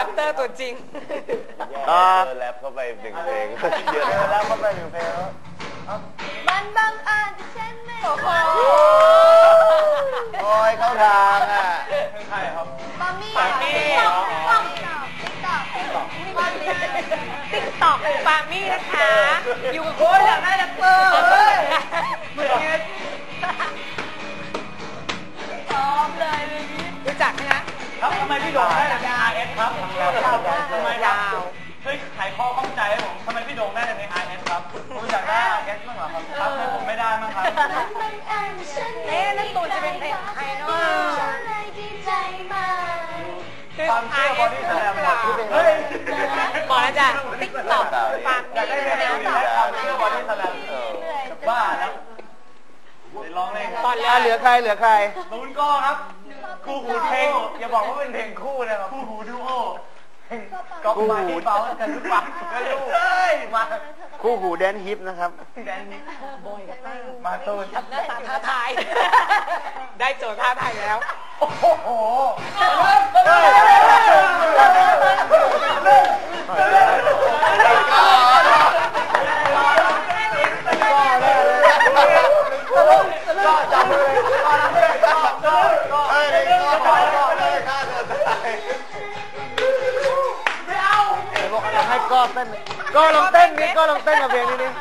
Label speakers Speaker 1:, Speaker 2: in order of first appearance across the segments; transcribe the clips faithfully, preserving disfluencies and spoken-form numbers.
Speaker 1: ปเตอร์ตัวจริง
Speaker 2: ก็แรปเข้าไปหนึ่งเพลงเยอะแรปเข้าไปหนึ่งเพลงแล้ว
Speaker 3: มันบังเอิญที่ฉันไม่โอ้โห
Speaker 2: โอ้ยเข้าทางอ่ะ
Speaker 4: ใช่ครับ
Speaker 3: ปามี่ปามี่ติ๊กต๊อกติ๊กต๊อก
Speaker 1: ติ๊กต๊อกปามี่นะคะอยู่กับโค้ชอยากได้แรปเปอร์เหมือนกันพร้อมเลยเลยรู้จักไหมคะ
Speaker 4: ครับทำไมพี่โด่งได้แต่ใน อาร์ เอส ครับทำไมยาวช่วยไขข้อข้องใจให้ผมทำไมพี่โด่งได้แต่ใน อาร์ เอส ครับผมอยากได้ อาร์ เอส บ้างเหรอครับครับทำไมผมไม่ได้บ้างครับ
Speaker 1: เอ๊ะนั่นตูนจะเป็นเพลงใครเนาะ
Speaker 4: ความเชื่อบอดี้แสลม
Speaker 1: เฮ้ยบอกแล้วจ้ะติ๊กต็อกฟัง
Speaker 4: อยากได้เพลงนี้ได้ความเชื่อบอดี้แสลมบ้าแล้วร้องเลย
Speaker 2: ตอนเหลือใครเหลือใคร
Speaker 4: ตูนก็ครับคู่หูเพลงอย่าบอกว่าเป็นเพลงคู่นะครับคู่หูดูโอก็มาที่เบากันทุกวันก็รู้มา
Speaker 2: คู่หูแดนฮิปนะครับ
Speaker 4: แดนฮิปมาตูน
Speaker 1: หน้าตาท้าทายได้โจทย์ท้าทายแล้ว
Speaker 4: โอ้โหก็จำเลยก็จำเลยก็ก็ก็เอ้ยก็ก็ก็เลยฆ่าตัวตายไม่เอา
Speaker 2: เดี๋ยวบอกให้ก็เต้นก็ลองเต้นนี่ก็ลองเต้นกับเพลงนี้นี่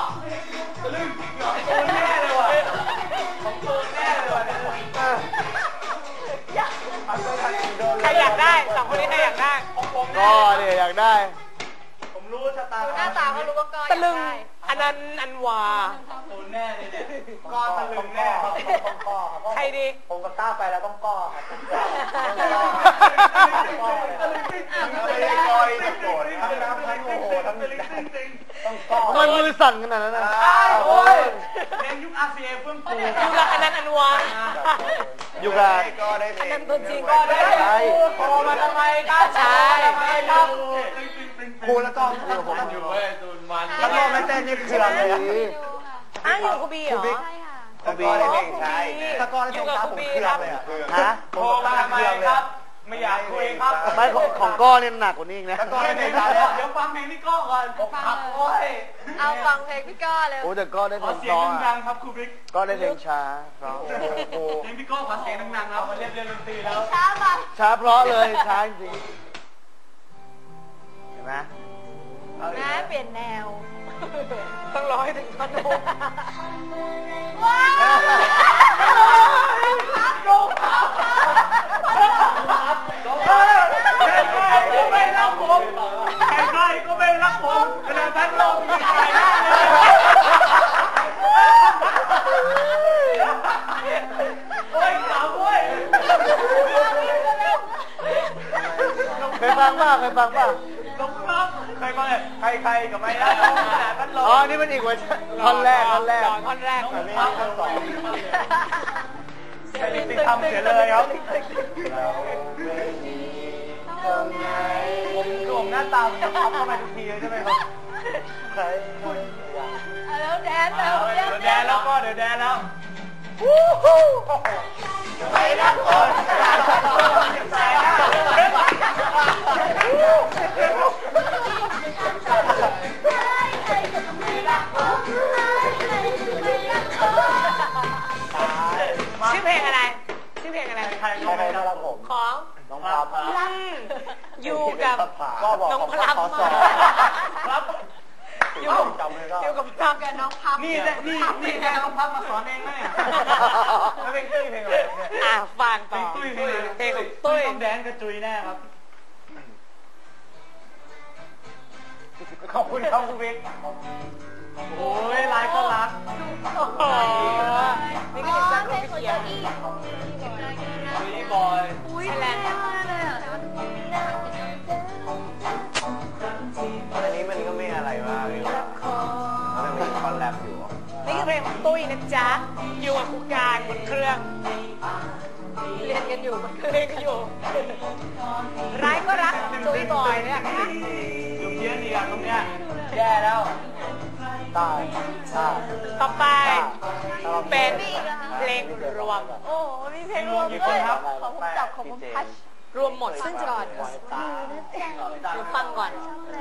Speaker 4: ตัวแน่เลยว่ะของตัวแน่เลยว่ะ
Speaker 1: ใครอยากได้สองคนนี้ใครอยากได้
Speaker 2: ก็เนี่ยอยากได้
Speaker 4: ผมรู้ชะตา
Speaker 3: หน้าตาเขารู้ว่าก็
Speaker 1: ตะลึงอันนั้นอันวา
Speaker 4: ตัวแน่เลยเนี่ยก้อตะลึงแน่ครับต้องก้อครับ
Speaker 1: ใครดี
Speaker 4: ผมกับต้าไปแล้วต้องก้อครับไม่ได้ก้อยจะโกรธทั้งน้ำทั้งโมโหทั้งต้องก้อ
Speaker 2: มันมือสั่นขนาดนั้นนะ
Speaker 4: โอ้ยเพลงยุค อาร์ ซี เอ เฟื่องฟู
Speaker 1: ยุคละอันนั้นอันวา
Speaker 2: ยุคละ
Speaker 1: อันนั้นตัวจริงก็ได้
Speaker 4: โทรมาทำไมก้า
Speaker 1: ใช่
Speaker 4: ครับครูแล้วก็ผมอยู่เว้ยตูนวันแล้วก็ไม่เต้นนี่คืออะไรอ่ะ
Speaker 1: อ้าวอยู่กูบีเหรอ
Speaker 2: กูบีได้เพลงใช่
Speaker 4: ตะกอนเพลงครับผมเครื่องเลยอ่ะฮะโทรมาทำไมครับไม่อยากคุยครับ
Speaker 2: ไม่ของก้อเนี่ยหนักกว่านี้อีกนะ
Speaker 4: ตะกอนเพลงแล้วเดี๋ยวฟังเพลงพี่ก้อก่อนฟังโอ้ย
Speaker 3: เอาฟังเพลงพี่ก้อเลย
Speaker 2: โอ้แต่ก้อได้เพลง
Speaker 4: เสียงดังครับครูบิ๊ก
Speaker 2: ก้อได้เพลงช้าเพราะ
Speaker 4: เพลงพี่ก้อขอเสียงดังๆครับมาเรียนเรียนดนตรีแล้ว
Speaker 3: ช้ามา
Speaker 2: ช้าเพราะเลยช้าจริงเห็นไหม
Speaker 3: นะเปลี่ยนแนว
Speaker 1: ต้องร้อยถึงพันหก
Speaker 3: ว้าว
Speaker 4: โดนครับโดนครับใครก็ไม่รักผมใครก็ไม่รักผมขนาดนั้นเราไม่ใครได้เลยโอ้ยสาวโว้ย
Speaker 2: เคยฟังป่ะเคยฟังป่ะ
Speaker 4: ลงครับใครมาเลยใครใครกับไม่ได้ขนาดนั้นเรา
Speaker 2: อ๋อนี่มันอีกเวอร์ชันท่อนแรกท่อนแรก
Speaker 1: ท่อนแรก
Speaker 4: อันนี้ท่อนสองใครติดทำเสียเลยครับผมคือผมหน้าตามันจะพับเข้ามาทุกทีเลยใช่ไหมครับใคร
Speaker 3: แล้วแดนแล้ว
Speaker 4: เดี๋ยวแดนแล้วก็เดี๋ยวแดนแล้ววู้ฮู้ไปรักคนไปรัก
Speaker 1: ชื่อเพลงอะไรชื่อเพลงอะไร
Speaker 4: ใครใครน่ารักผม
Speaker 1: ของ
Speaker 4: น้องพลับ
Speaker 1: อยู่กับน้องพลับ
Speaker 4: ครับ
Speaker 1: อยู่อยู่กับพลับกับน้องพับ
Speaker 4: นี่นี่นี่แค่น้องพับมาสอนเองไหมอ่ะแล้วเพลงตุ้ยเพลงอะไร
Speaker 1: อ่ะฟังต่อ
Speaker 4: ตุ้ย
Speaker 1: เพลงของตุ้ย
Speaker 4: ต้องแดนกระจุยแน่ครับขอบคุณครับคุณบิ๊กโอ้ยไลน์ก็รัก
Speaker 1: นี่ก็เป็นจากรูปเขียน
Speaker 4: วีบอย
Speaker 3: อุ้ยแรงมากเลยอ่ะ
Speaker 2: อันนี้มันก็ไม่อะไรมากเลยว่ะมันมีคอนแลบอยู่
Speaker 1: นี่คือเพลงของตุ้ยนะจ๊ะอยู่กับคุกการบนเครื่องเรียนกันอยู่บนเครื่องเรียนกันอยู่ร้ายก็รักตุ้ยบอยเนี่ย
Speaker 4: อยู่เพี้ยนดีอ่ะตรงเนี้ยแย่แล้วตายตาย
Speaker 1: ต่อไปเป็นเพลงรวม
Speaker 3: โอ้มีเพลงรวมด้วยของผมจับของผมพัช
Speaker 1: รวมหมดซึ่งก่อนหนูฟังก่อน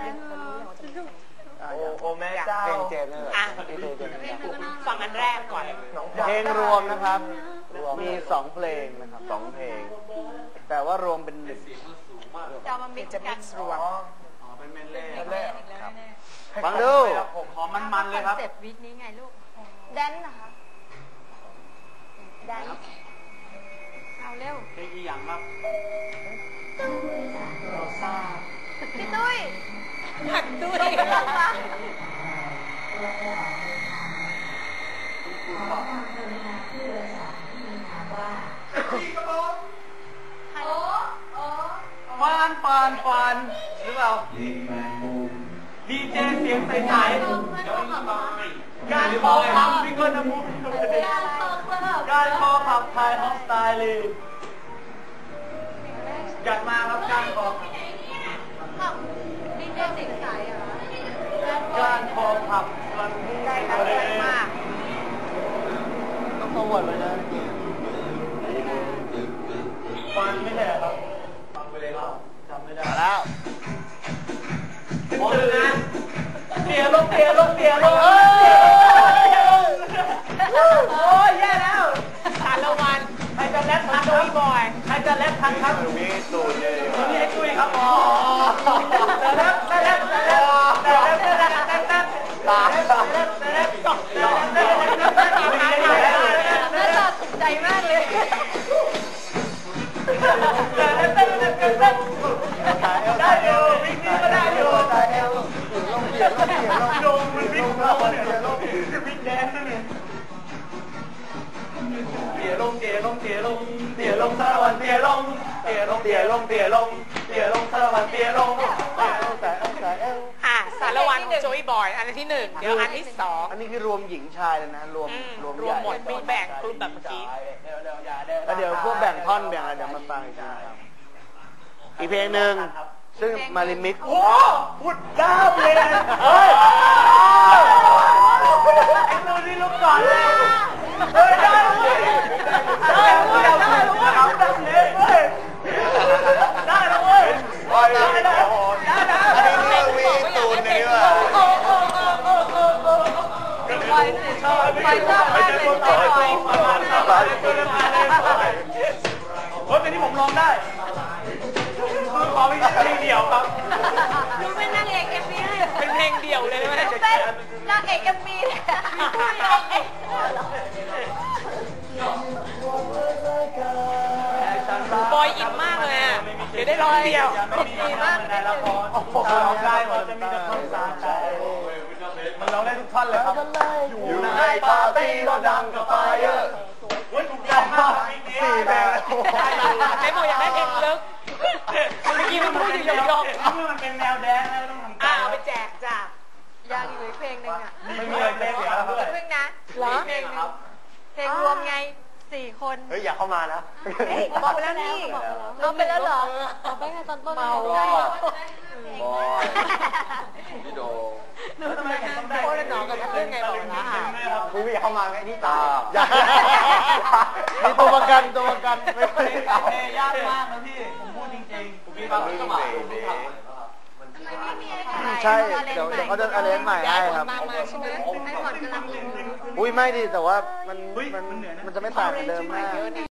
Speaker 2: โอ้โอ้แม่เจ้าเพลงเจมส์เลย
Speaker 1: อ่ะ
Speaker 2: เพลงเจมส์
Speaker 1: ฟังอันแรกก่อน
Speaker 2: เพลงรวมนะครับ มีสองเพลงนะครับสองเพลง แต่ว่ารวมเป็นหนึ่ง
Speaker 3: จะเอามามิก
Speaker 1: จะ
Speaker 3: ซ์
Speaker 1: มิ
Speaker 3: กัน
Speaker 1: กซ์รวม
Speaker 4: อ๋อเป็นเมนเล่
Speaker 2: ครับฟังดู
Speaker 4: ผมขอมันๆเลยครับ
Speaker 3: เซปต์วิกนี้ไงลูก แดนนะคะแดนเอาเร็ว
Speaker 4: เพลงอีหยังครับ
Speaker 3: พี่ตุ้ย
Speaker 1: หักด้วย
Speaker 3: ต้องลองมา
Speaker 4: ฟานฟานฟานหรือเปล่าดีเจเสียงใสๆการคอขับพิกเกิลน้ำมูกการคอขับไทยฮอสไตล์เลยจัดมาครับการคอขับ
Speaker 3: ขับดีเจสิงสายเหรอ
Speaker 4: การคอขับมัน
Speaker 1: ใกล้กันใกล้มาก
Speaker 2: ต้องโปรโมทเลยนะ
Speaker 4: ฟันไม่ใช่เหรอครับฟังไปเลยครับจำไม่ได้
Speaker 2: มาแล้ว
Speaker 4: โอ้ยนะเตียลงเตียลงเตียลงเอ้ย
Speaker 1: โอ้ยแย่แล้วสารวัน
Speaker 4: ใครจะแรปทัน
Speaker 1: โจ
Speaker 4: ครั
Speaker 1: ย
Speaker 4: บบ
Speaker 1: อย
Speaker 4: ใครจะแรปทันครับ
Speaker 2: มีตูนเลย
Speaker 4: นี่ไอ้ตุ้ยครับอ๋อแต่แรปแต่แรปแต่แรปแต่แรปแต่แรปแต่แรป
Speaker 2: ตาย
Speaker 4: แต่แรปแต่แรปแต่แรปแต่แรปแต่แรป
Speaker 3: น่าจะถูกใจมากเลย
Speaker 4: ได้อยู่บิ๊กนี่ก็ได้อยู่
Speaker 2: ตายเอลลงเปลี่ยนลงเปลี่ยนลง
Speaker 4: ลงมันบิ๊กเราเนี่ยบิ๊กแดนนั่นเองเตี๋ยลงเตี๋ยลงเตี๋ยลงเตี๋ยลงสารวันเตี๋ยลงเตี๋ยลงเตี๋ยลงเตี๋ยลงเตี๋ยลงสารวันเตี๋ยลง
Speaker 2: ตายเอลตายเอลตายเอล
Speaker 1: อ่ะสารวันของโจยบอยอันที่หนึ่งเดี๋ยวอันที่สอง
Speaker 2: อันนี้คือรวมหญิงชายเลยนะ รวม
Speaker 1: อืม
Speaker 2: รวม
Speaker 1: ร
Speaker 2: ให
Speaker 1: วม
Speaker 2: ญ่
Speaker 1: หมดมีแบ่งกลุ่มแบบเมื่อกี้
Speaker 2: แล้วเดี๋ยวพวกแบ่งท่อนแบ่งอะไรเดี๋ยวมาฟังอีกทีครับอีกเพลงหนึ่งซึ่งมาริมิก
Speaker 4: โอ้พูดด้าเลยเฮ้ยไอ้ตัวนี้ลุกก่อนเลยเฮ้ยได้เลยได้เลยได้เลยเอาดังเลยเว้ยได้เลยเว้ยได้ได้ได้ได้
Speaker 2: อันนี้เรื่องวีตูนนี่ว่ะ
Speaker 3: ไปสิไปเจ้าไปเลยไปไป
Speaker 4: เฮ้ยเพลงนี้ผมร้องได้คือขอเป็นเพลงเดียวครับ
Speaker 3: ดูเป็นนางเอกเอ็มวีเลย
Speaker 1: เป็นเพลงเดี่ยวเลยไหม
Speaker 3: ดูเป็นนางเอกเอ็มวีเลย
Speaker 1: บอยอินมากเลยอ่ะเดี๋ยวได้ร้องเดียว
Speaker 4: ดีมากในละครร้องได้หมดจะมีแต่คนสาใจมันร้องได้ทุกท่อนเลยครับอยู่ในปาร์ตี้เราดังกับไฟเออร์เฮ้ยถูกใจมากสี่แบงค์
Speaker 1: เจ๊บอกอยากได้เพลงลึกเมื่อกี้มันพูดอยู่ยอง
Speaker 4: เมื่อมันเป็นแนวแดนซ์ต้องทำ
Speaker 1: ๆอ่าเอาไปแจกจ้ะ
Speaker 3: ยังอยู่อีกเพลงหนึ่งอ่ะ
Speaker 4: ไม่มีอะไรเสียแล้วเพื่อน
Speaker 3: เพิ่งนะเพลงหนึ่งเพลงรวมไงสี่คน
Speaker 2: เฮ้ยอย่าเข้ามานะ
Speaker 3: บอกไปแล้วนี่เอาไปแล้วเหรอเอาไปไงตอนต้นเมา
Speaker 2: บอยพี่โด
Speaker 4: แล้วทำไมผมต้องได้
Speaker 1: โคตรหนอกับเรื่องไงบอกละอ่ะ
Speaker 2: คุณอย่าเข้ามาไงนี่ตามีตัวประกันตัวประกันไม่
Speaker 4: เพล
Speaker 2: ได้
Speaker 4: ง
Speaker 2: เอา
Speaker 4: เพลงยากมากนะพี่ผมพูดจริงๆผมมีบางจังหวะผมทำ
Speaker 2: ใช่เดี๋ยวเดี๋ยวเขาจะอะไรใหม่ให้ครับ
Speaker 1: ตามมาใช่ไหม
Speaker 3: ไอ้หมอนกำลัง
Speaker 2: อุ้ยไม่ดิแต่ว่ามันมันมันจะไม่ต่างเหมือนเดิมมาก